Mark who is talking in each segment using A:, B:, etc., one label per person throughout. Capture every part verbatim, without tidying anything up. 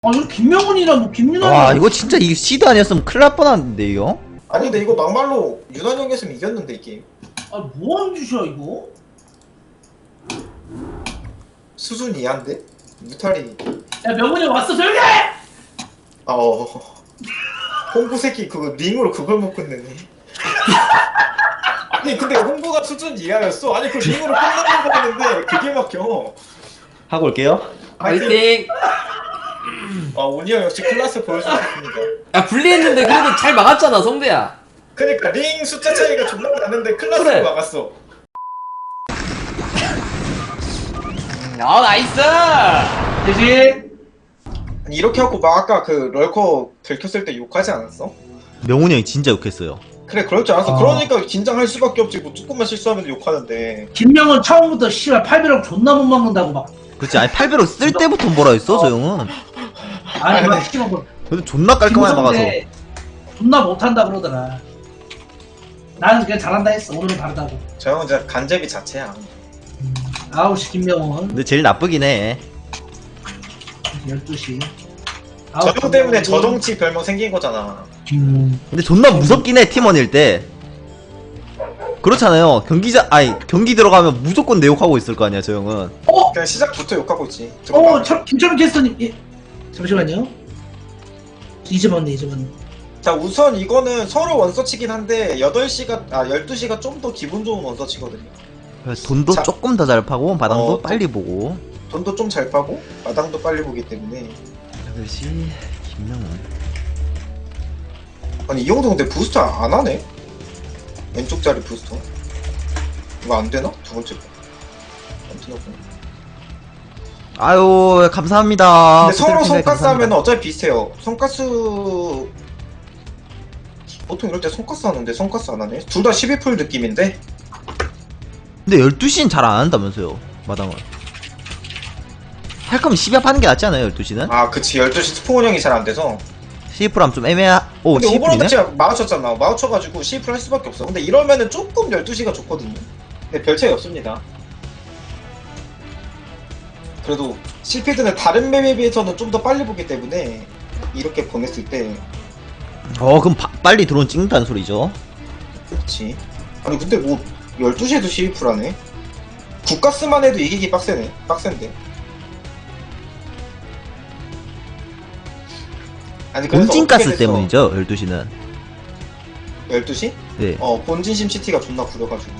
A: 아 이거 김명훈이랑 뭐 김윤환.
B: 와 이거 진짜 이 시드 아니었으면 큰일 날 뻔한데 이거?
C: 아니 근데 이거 막말로 윤환 형이 했으면 이겼는데 이 게임.
A: 아 뭐하는 짓이야 이거?
C: 수준 이하인데? 무탈이.
A: 야 명훈이 왔어 조용히 해!
C: 아 어. 홍구 새끼 그거 링으로 그걸 못 끝내네. 아니 근데 홍구가 수준 이하였어. 아니 그 링으로 끝나는 거였는데 그게 막혀.
B: 하고 올게요.
D: 화이팅!
C: 아 오니 형 역시 클라스 보여주셨습니다.
D: 야 분리했는데 그래도 잘 막았잖아 성대야.
C: 그니까 링 숫자 차이가 존나 나는데 클라스로
D: 그래.
C: 막았어.
D: 어 나이스!
A: 대신
C: 아니 이렇게 하고 막 아까 그 럴커 들켰을 때 욕하지 않았어?
B: 명훈이 형이 진짜 욕했어요.
C: 그래 그럴 줄 알았어.
A: 아.
C: 그러니까 긴장할 수밖에 없지. 뭐 조금만 실수하면 욕하는데.
A: 김명훈 처음부터 씨발 팔비록 존나 못 막는다고 막.
B: 그렇지. 아니 팔배로 쓸 때부터 뭐라 했어 저 형은.
A: 아니 막 씨발 뭐
B: 그래도 존나 깔끔하게 막아서.
A: 김성대 존나 못한다 그러더라. 나는 그냥 잘한다 했어. 오늘은 다르다고.
C: 저 형은 진짜 간제비 자체야.
A: 음, 아홉 시 김명훈
B: 근데 제일 나쁘긴 해.
A: 열두 시.
C: 저 형 때문에 저정치 별명 생긴 거잖아.
A: 음.
B: 근데 존나 무섭긴 해 팀원일 때. 그렇잖아요. 경기자 아니 경기 들어가면 무조건 내 욕하고 있을 거 아니야 저 형은.
A: 어?
C: 그냥 시작부터 욕하고 있지.
A: 어, 참, 김철민 캐스터님, 예. 잠시만요. 잊어봤네, 잊어봤네.
C: 자 우선 이거는 서로 원서치긴 한데 여덟 시가 아 열두 시가 좀 더 기분 좋은 원서치거든요.
B: 돈도
C: 자.
B: 조금 더 잘 파고 마당도
C: 어,
B: 빨리 보고.
C: 돈도 좀 잘 파고 마당도 빨리 보기 때문에.
B: 여덟 시 김명훈.
C: 아니 이 형도 근데 부스터 안 하네? 왼쪽 자리 부스터 이거 안 되나? 두 번째 거. 안 되나 보네.
B: 아유 감사합니다.
C: 근데 서로
B: 부탁드립니다.
C: 손가스 하면
B: 감사합니다.
C: 어차피 비슷해요. 손가스 보통 이럴 때 손가스 하는데 손가스 안 하네. 둘 다 십이 풀 느낌인데.
B: 근데 열두 시는 잘 안 한다면서요 마당을. 할 거면 십이합 하는 게 낫지 않아요 열두 시는?
C: 아 그치 열두 시 스포 운영이 잘 안 돼서.
B: 십이 하면 좀 애매하... 오
C: 근데
B: 십이
C: 오버로드
B: 네
C: 제가 마우쳤잖아. 마우쳐가지고 십이 풀 할 수밖에 없어. 근데 이러면은 조금 열두 시가 좋거든요. 근데 별 차이 없습니다. 그래도 실피드는 다른 맵에 비해서는 좀 더 빨리 보기 때문에 이렇게 보냈을 때.
B: 어 그럼 바, 빨리 드론 찍는다는 소리죠.
C: 그렇지. 아니 근데 뭐 열두 시에도 십이 풀 하네. 국가스만 해도 이기기 빡세네. 빡센데. 아니 그래서
B: 본진가스
C: 어떻게 됐어?
B: 때문이죠 열두 시는.
C: 열두 시?
B: 네.
C: 어 본진 심시티가 존나 구려가지고.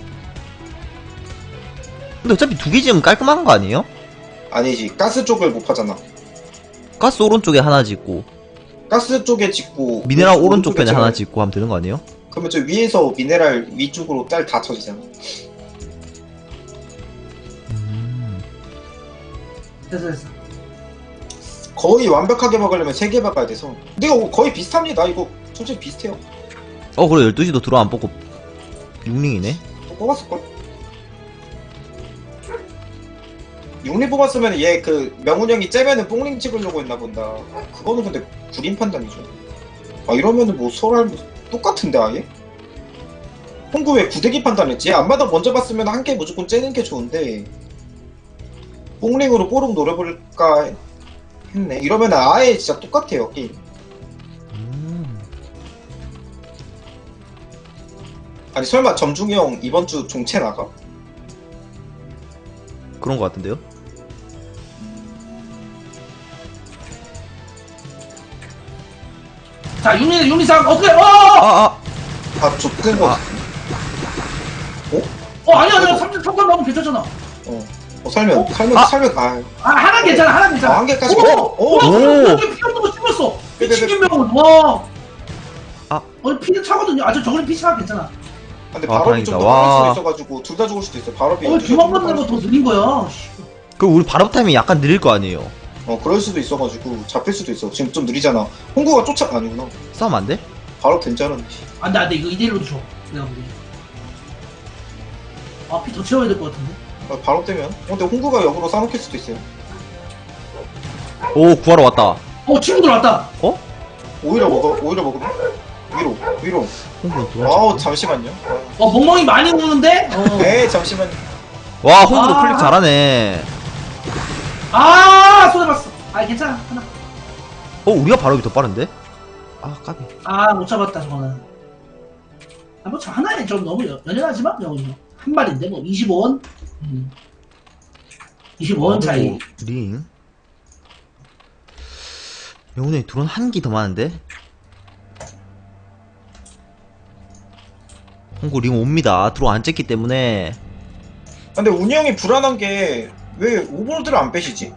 B: 근데 어차피 두 개 지으면 깔끔한 거 아니에요?
C: 아니지 가스 쪽을 못 파잖아.
B: 가스 오른쪽에 하나 짓고
C: 가스 쪽에 짓고
B: 미네랄
C: 오른쪽
B: 오른쪽 편에
C: 쪽에
B: 하나
C: 지어야-
B: 짓고 하면 되는 거 아니에요?
C: 그러면 저 위에서 미네랄 위쪽으로 딸 다 쳐지잖아.
B: 음...
A: 됐어, 됐어.
C: 거의 완벽하게 먹으려면 세 개 박아야 돼서. 근데 이거 거의 비슷합니다. 이거 솔직히 비슷해요.
B: 어 그래 열두 시도 드론 안 뽑고 육링이네.
C: 또 뽑았을걸? 육리 뽑았으면 얘 그 명훈 형이 째면은 뽕링 찍으려고 했나 본다. 그거는 근데 구린 판단이죠. 아 이러면은 뭐 서로 똑같은데 아예? 홍구 왜 구대기 판단했지? 안마다 먼저 봤으면 한 개 무조건 째는 게 좋은데 뽕링으로 뽀록 노려볼까 했네. 이러면 아예 진짜 똑같아요 게임.
B: 음...
C: 아니 설마 점중이 형 이번 주 종채 나가?
B: 그런 거 같은데요?
A: 자, 윤리, 윤리상, 어떻게, 어!
B: 아아
C: 아 좁은 거.
B: 아.
C: 어?
A: 어, 아니야, 아니야. 삼 점 삼 나오면 괜찮잖아.
C: 어. 어 살면
A: 어?
C: 살면
B: 아.
C: 살면 아.
A: 아, 하나 괜찮아, 하나 괜찮아.
C: 아, 한 개까지.
A: 오!
C: 어? 오!
A: 오!
B: 오!
A: 피 없는 거 찍었어.
C: 네, 네,
A: 미친
C: 네.
A: 김명훈, 와.
B: 아.
A: 어, 피는 차거든요. 아, 저 저거는 피 차가 괜찮아.
C: 근데
B: 아,
C: 바로
B: 다행이다.
C: 좀더
B: 와.
C: 빠를 수도 있어가지고 둘 다 죽을 수도 있어. 바로
A: 어, 도망가는 거 더 느린 거야. 씨.
B: 그럼 우리 발업 타이밍 약간 느릴 거 아니에요?
C: 어 그럴 수도 있어가지고 잡힐 수도 있어. 지금 좀 느리잖아. 홍구가 쫓아 아니구나.
B: 싸움 안 돼?
C: 바로 된 줄 알았네.
A: 안 돼, 안 돼. 이거 이 대 일로 줘. 내가 보기. 아, 피 더 채워야 될 것 같은데.
C: 아, 바로 되면. 어, 근데 홍구가 역으로 싸먹힐 수도 있어요.
B: 오 구하러 왔다.
A: 어, 친구들 왔다.
B: 어?
C: 오히려 먹어. 오히려 먹으면 위로 위로.
B: 홍구 누가
C: 아우
B: 찍지?
C: 잠시만요.
A: 어, 멍멍이 많이 우는데? 어.
C: 에이 잠시만요.
B: 와 홍구도
A: 아.
B: 클릭 잘하네.
A: 아, 손해봤어. 아, 괜찮아. 하나.
B: 어 우리가 바로 여기 더 빠른데? 아 까비.
A: 아, 못 잡았다, 저거는. 아, 뭐, 저 하나에 좀 너무 연- 연연하지만, 여기 한 발인데, 뭐, 이십오 원? 음. 이십오 원 차이.
B: 오, 링. 명훈이 드론 한 기 더 많은데? 홍구 링 옵니다. 드론 안 쨌기 때문에.
C: 근데 운이 형이 불안한 게 왜 오버로드를 안 빼시지?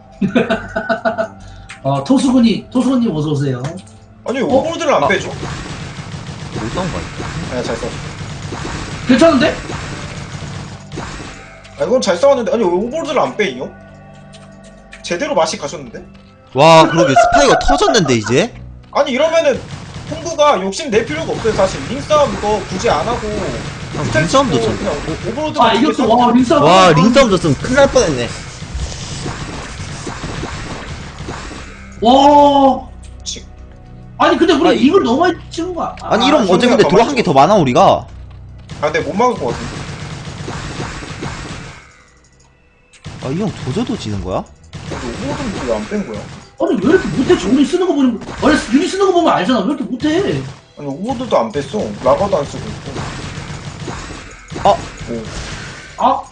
A: 어, 토수군이, 토수군님 어서오세요.
C: 아니 오버로드를 안
B: 아.
C: 빼죠?
B: 못 싸운 거 같아.
C: 아니 잘 싸워.
A: 괜찮은데?
C: 아 이건 잘 싸웠는데 아니 왜 오버로드를 안 빼, 이 형? 제대로 맛이 가셨는데?
B: 와 그러게 스파이가 터졌는데 이제?
C: 아니 이러면은 홍구가 욕심 낼 필요가 없어요 사실. 링 싸움 이거 굳이 안 하고
B: 아, 링싸움도
C: 치고
B: 쳤네.
C: 그냥 오- 오버로드만
A: 아,
C: 두개
A: 이것도,
C: 싸우고.
A: 와, 링싸움.
B: 와 링싸움 졌으면 큰일 날 뻔했네.
A: 와.
C: 치-
A: 아니, 근데 우리
B: 아니,
A: 이걸 너무 많이 찍은 거야. 아,
B: 아니 이러면
C: 아,
B: 어제 근데
C: 더
B: 드론 한 개 더 많아 우리가.
C: 아 근데 못 막을 것 같은데.
B: 아 이 형 조져도 지는 거야?
C: 근데 오버로드는 왜 안 뺀 거야?
A: 아니, 왜 이렇게 못해? 저기 쓰는 거 보면, 원래 유리 쓰는 거 보면 알잖아. 왜 이렇게 못해?
C: 아니 오버로드도 안 뺐어. 라바도 안 쓰고 있고.
B: 아!
C: 오.
A: 아,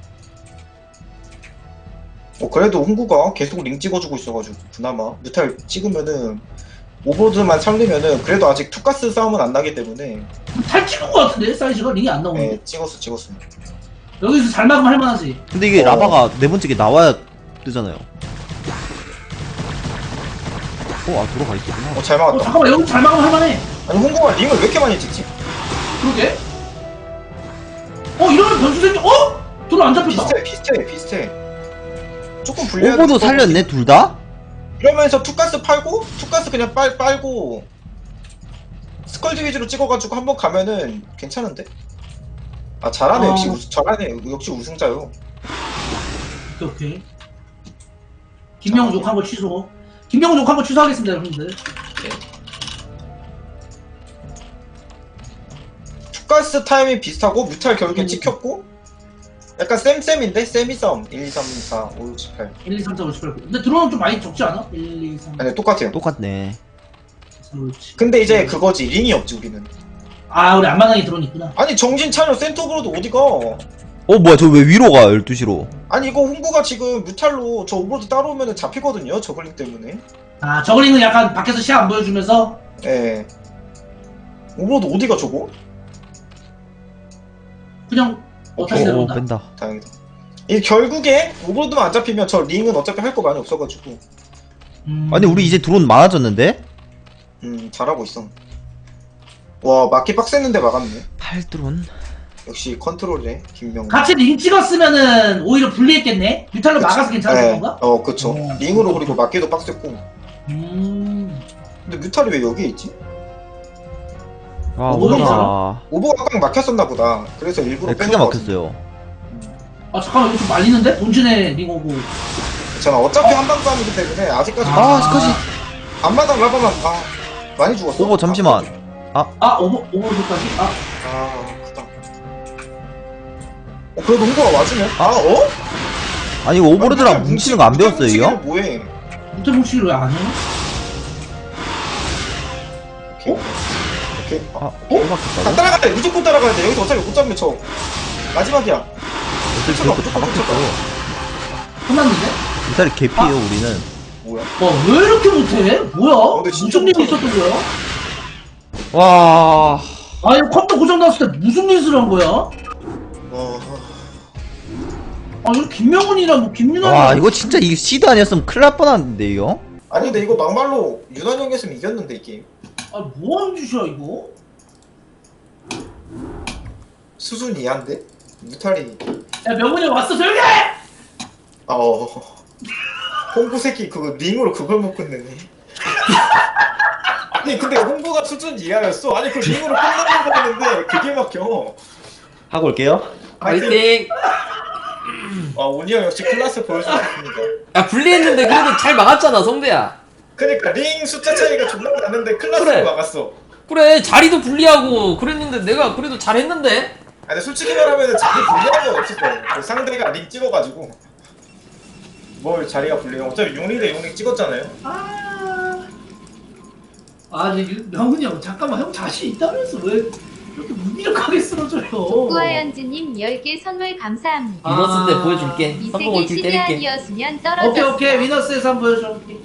C: 어, 그래도 홍구가 계속 링 찍어주고 있어가지고 그나마 뮤탈 찍으면은 오버로드만 살리면은 그래도 아직 투가스 싸움은 안 나기 때문에
A: 탈 찍은 거 같은데? 사이즈가 링이 안 나오는데.
C: 네, 찍었어 찍었어.
A: 여기서 잘 막으면 할만하지.
B: 근데 이게
C: 어.
B: 라바가 네 번째 게 나와야 뜨잖아요. 어, 아, 돌아가 있었구나.
C: 어 잘
A: 어,
C: 막았다.
A: 잠깐만, 여기 잘 막으면 할만해.
C: 아니 홍구가 링을 왜 이렇게 많이 찍지?
A: 그러게. 어, 이러면 변수 생겨. 어? 둘 안 잡혔다.
C: 비슷해 비슷해 비슷해. 조금 불리한.
B: 오버도 살렸네, 둘 다?
C: 이러면서 투가스 팔고 투가스 그냥 빨 빨고 스컬지 위주로 찍어가지고 한번 가면은 괜찮은데? 아 잘하네.
A: 어.
C: 역시 우승, 잘하네. 역시 우승자요.
A: 오케이, 오케이. 김명훈 욕한 거 취소. 김명훈 욕한 거 취소하겠습니다, 여러분들.
C: 투가스 타이밍 비슷하고 뮤탈 결국에
A: 음.
C: 찍혔고 약간 쌤쌤인데? 세미 싸움 일, 이, 삼, 사, 오, 육, 칠, 팔.
A: 일, 이, 삼, 사, 오, 십, 팔, 구. 근데 드론은 좀 많이 적지 않아? 일, 이, 삼,
C: 아니 똑같아요.
B: 똑같네.
A: 사, 오, 칠.
C: 근데 이제 그거지 링이 없지 우리는.
A: 아, 우리 안마당에 드론 있구나.
C: 아니 정신 차려. 센터브로도 어디가?
B: 어, 뭐야, 저 왜 위로 가, 열두 시로?
C: 아니 이거 홍구가 지금 뮤탈로 저 오버로드 따라오면 잡히거든요 저글링 때문에.
A: 아, 저글링은 약간 밖에서 시야 안 보여주면서.
C: 예. 오버로드 어디가 저거?
A: 그냥 어, 다시
B: 어, 어,
A: 내려온다.
B: 뺀다.
C: 다행이다. 이 결국에 오버로드만 안 잡히면 저 링은 어차피 할 거 많이 없어가지고
A: 음.
B: 아니, 우리 이제 드론 많아졌는데?
C: 음 잘하고 있어. 와 막기 빡셌는데 막았네.
B: 팔 드론?
C: 역시 컨트롤에 김명훈.
A: 같이 링 찍었으면은 오히려 불리했겠네. 뮤탈로 막아서 괜찮았을
C: 네.
A: 건가?
C: 어 그쵸.
A: 어.
C: 링으로 그리고 막기도 빡셌고.
A: 음.
C: 근데 뮤탈이 왜 여기에 있지?
B: 와,
A: 오버가
B: 오버가.
C: 오버가 꽉 막혔었나 보다. 그래서 일부러
B: 네,
C: 뺀
B: 크게
C: 것 같은데.
B: 막혔어요.
A: 아, 잠깐만, 이거 좀 말리는데? 본진에 링 오고.
C: 괜찮아. 어차피 한방 싸움이기 때문에 아직까지
B: 아, 스커지.
C: 앞마당 라바만 아 많이 죽었어.
B: 오버, 잠시만.
A: 아, 오버, 오버로드까지? 아,
C: 아 크다. 어 그래도 홍보가 와주네. 아 어?
B: 아니, 이거 오버로드랑 뭉치는 거 안 배웠어요, 이 형?
C: 뭐해?
A: 무태 뭉치기를 왜 안 해?
C: 오케이. 오케이.
B: 아,
C: 어?
B: 또
C: 다
B: 막혔다고?
C: 따라가야 돼. 무조건 따라가야 돼. 여기서 어차피 못 잡으면 저 마지막이야.
B: 어차피 그것도 다 막혔어.
A: 끝났는데?
B: 미사리 개피에요, 우리는.
C: 뭐야?
A: 와, 왜 이렇게 못해? 뭐야?
C: 근데 진짜
A: 무슨 일이
C: 못하네.
A: 있었던 거야?
B: 와.
A: 아니, 컴퓨터 고장 났을 때 무슨 짓을 한 거야?
C: 어...
A: 아, 이거 김명훈이랑 뭐 김윤환이.
B: 와, 이거 진짜 이 시드 아니었으면 큰일 날 뻔한데, 이 형?
C: 아니 근데 이거 막말로 유난 형이 했으면 이겼는데 이 게임.
A: 아, 뭐 하는 짓이야, 이거?
C: 수준 이하인데? 무탈이.
A: 야, 명훈이 왔어, 조용히 해!
C: 아 어... 홍구 새끼 그거 링으로 그걸 못 끝내네. 아니 근데 홍구가 수준 이하였어. 아니 그 링으로 끝나는 거였는데 그게 막혀.
B: 하고 올게요.
D: 파이팅!
C: 아 오니 형 역시 클라스 보여주셨습니다.
D: 야, 불리했는데 그래도 잘 막았잖아, 성대야.
C: 그니까 링 숫자 차이가 존나 났는데 클라스로
D: 그래.
C: 막았어.
D: 그래, 자리도 불리하고 그랬는데 내가 그래도 잘했는데?
C: 아니 솔직히 말하면 자리 불리한 건 없었어. 그 상대가 링 찍어가지고 뭘 자리가 불리해. 어차피 용링 대 용링 찍었잖아요.
A: 아. 아니 명훈이 형 잠깐만 형 자신 있다면서 왜 이렇게 무기력하게 쓰러져요?
E: 족구하연즈님 열 개 선물 감사합니다.
A: 아.
D: 위너스 때 보여줄게.
E: 이
D: 성공
E: 세계
D: 올킬 때릴게.
E: 시대아니었으면 떨어졌어.
A: 오케이 오케이 위너스에서 한번 보여줘.